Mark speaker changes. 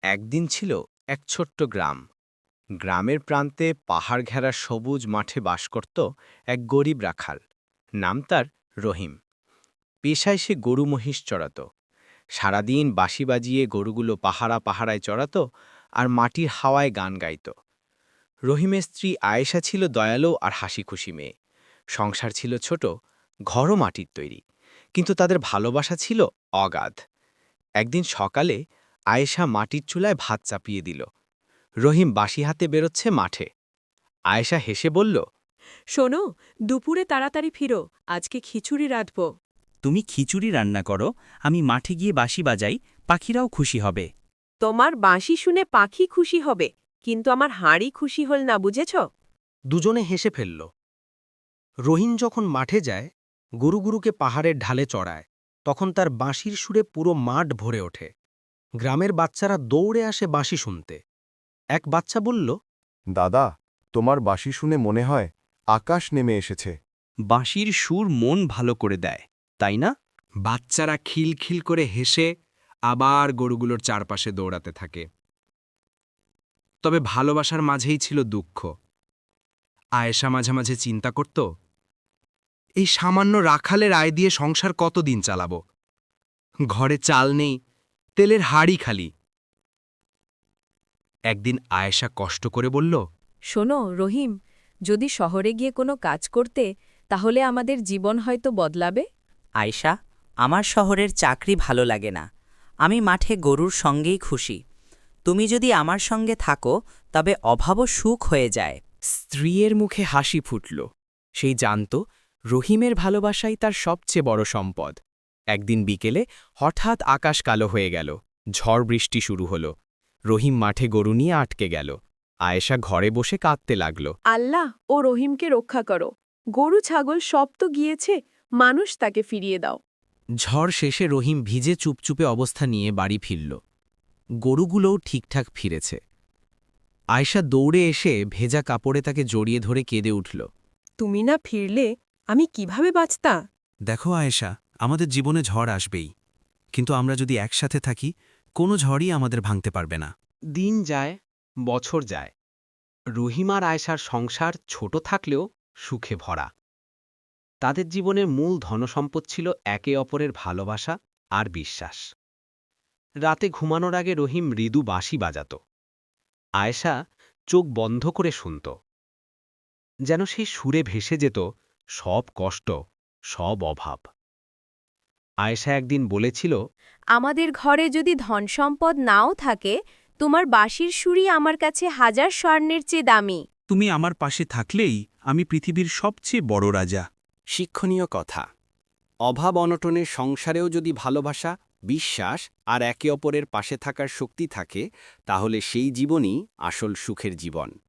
Speaker 1: একদিন ছিল এক ছোট্ট গ্রাম। গ্রামের প্রান্তে পাহাড় ঘেরা সবুজ মাঠে বাস করত এক গরিব রাখাল। নাম তার রহিম। পেশায় সে গরু মহিষ চড়াত। সারাদিন বাঁশি বাজিয়ে গরুগুলো পাহাড়ায় চড়াত আর মাটির হাওয়ায় গান গাইত। রহিমের স্ত্রী আয়েশা ছিল দয়ালু আর হাসিখুশি মেয়ে। সংসার ছিল ছোট, ঘরও মাটির তৈরি, কিন্তু তাদের ভালোবাসা ছিল অগাধ। একদিন সকালে আয়েশা মাটির চুলায় ভাত চাপিয়ে দিল। রহিম বাঁশি হাতে বেরোচ্ছে মাঠে। আয়েশা হেসে বলল,
Speaker 2: শোনো, দুপুরে তাড়াতাড়ি ফিরো, আজকে খিচুড়ি রাঁধব।
Speaker 3: তুমি খিচুড়ি রান্না করো, আমি মাঠে গিয়ে বাঁশি বাজাই, পাখিরাও খুশি হবে।
Speaker 2: তোমার বাঁশি শুনে পাখি খুশি হবে, কিন্তু আমার হাঁড়ি খুশি হল না, বুঝেছ?
Speaker 4: দুজনে হেসে ফেলল। রহিম যখন মাঠে যায়, গুরুগুরুকে পাহাড়ের ঢালে চড়ায়, তখন তার বাঁশির সুরে পুরো মাঠ ভরে ওঠে। গ্রামের বাচ্চারা দৌড়ে আসে বাঁশি শুনতে। এক বাচ্চা বলল,
Speaker 5: দাদা, তোমার বাঁশি শুনে মনে হয় আকাশ নেমে এসেছে।
Speaker 3: বাঁশির সুর মন ভালো করে দেয়, তাই না?
Speaker 6: বাচ্চারা খিলখিল করে হেসে আবার গরুগুলোর চারপাশে দৌড়াতে থাকে। তবে ভালোবাসার মাঝেই ছিল দুঃখ। আয়েশা মাঝে মাঝে চিন্তা করত, এই সামান্য রাখালের আয় দিয়ে সংসার কতদিন চালাব? ঘরে চাল নেই, তেলের হাড়ি খালি। একদিন আয়েশা কষ্ট করে বলল,
Speaker 2: শোনো রহিম, যদি শহরে গিয়ে কোনো কাজ করতে, তাহলে আমাদের জীবন হয়তো বদলাবে।
Speaker 7: আয়শা, আমার শহরের চাকরি ভালো লাগে না। আমি মাঠে গরুর সঙ্গেই খুশি। তুমি যদি আমার সঙ্গে থাকো, তবে অভাবও সুখ হয়ে যায়।
Speaker 8: স্ত্রীর মুখে হাসি ফুটল। সেই জানত রহিমের ভালোবাসাই তার সবচেয়ে বড় সম্পদ। একদিন বিকেলে হঠাৎ আকাশ কালো হয়ে গেল। ঝড় বৃষ্টি শুরু হল। রহিম মাঠে গরু নিয়ে আটকে গেল। আয়েশা ঘরে বসে কাঁদতে লাগল।
Speaker 2: আল্লাহ, ও রহিমকে রক্ষা করো। গরু ছাগল সব তো গিয়েছে, মানুষ তাকে ফিরিয়ে দাও।
Speaker 4: ঝড় শেষে রহিম ভিজে চুপচুপে অবস্থা নিয়ে বাড়ি ফিরল। গরুগুলোও ঠিকঠাক ফিরেছে। আয়েশা দৌড়ে এসে ভেজা কাপড়ে তাকে জড়িয়ে ধরে কেঁদে উঠল।
Speaker 2: তুমি না ফিরলে আমি কিভাবে বাঁচতা?
Speaker 6: দেখো আয়েশা, আমাদের জীবনে ঝড় আসবেই, কিন্তু আমরা যদি একসাথে থাকি, কোনো ঝড়ই আমাদের ভাঙতে পারবে না।
Speaker 1: দিন যায়, বছর যায়। রহিম আর আয়েশার সংসার ছোট থাকলেও সুখে ভরা। তাদের জীবনের মূল ধনসম্পদ ছিল একে অপরের ভালোবাসা আর বিশ্বাস। রাতে ঘুমানোর আগে রহিম মৃদু বাঁশি বাজাত। আয়েশা চোখ বন্ধ করে শুনত, যেন সেই সুরে ভেসে যেত সব কষ্ট, সব অভাব। আয়েশা একদিন বলেছিল,
Speaker 9: আমাদের ঘরে যদি ধনসম্পদ নাও থাকে, তোমার বাঁশির সুরই আমার কাছে হাজার স্বর্ণের চেয়ে দামি।
Speaker 6: তুমি আমার পাশে থাকলেই আমি পৃথিবীর সবচেয়ে বড় রাজা।
Speaker 1: শিক্ষণীয় কথা, অভাব অনটনের সংসারেও যদি ভালোবাসা, বিশ্বাস আর একে অপরের পাশে থাকার শক্তি থাকে, তাহলে সেই জীবনই আসল সুখের জীবন।